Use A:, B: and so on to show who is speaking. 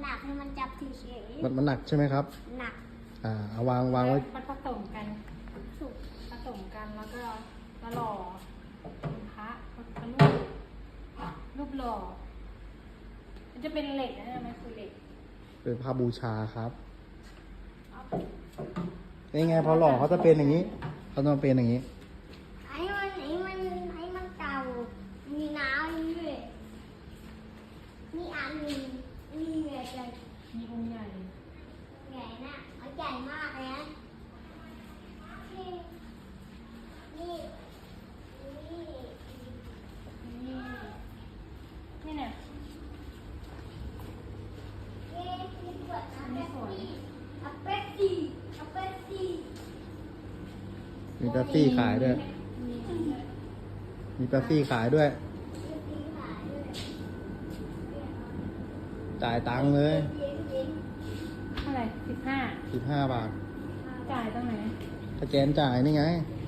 A: หนักให้มันจับเฉย
B: มันหนักใช่ไหมครับ
A: ๆหนัก
B: เอาวางไว้
C: มันผสมกันสุกผสมกันแล้วก็มาหล่อเป็นพระเป็นรูปหล่อมันจะเป็นเหล็กนะมันคือเหล็ก
B: เป็นผ้าบูชาครับนี่ไงพอหล่อเขาจะเป็นอย่างนี้เขาต้องเป็นอย่างนี้
A: ให้มันเก่ามีน้ำด้วยนี่อันนี้นี่ใหญ่ใหญ่
C: มีองค์ใหญ่
A: ใหญ่นะเอาใหญ่มากเลยนะนี่นี่นี่
C: นี่นี่เนี่ย
A: นี่ขวดน้ำเป๊ปซี่เอาเป๊ปซี่เอาเป๊ปซี่
B: มีเป๊ปซี่ขายด้วย มีเป๊ปซี่ขายด้วย จ่ายตังค์เลย
C: เท่าไหร่15
B: 15 บาท
C: จ่ายตรงไหน
B: สแกนจ่ายนี่ไง
C: อ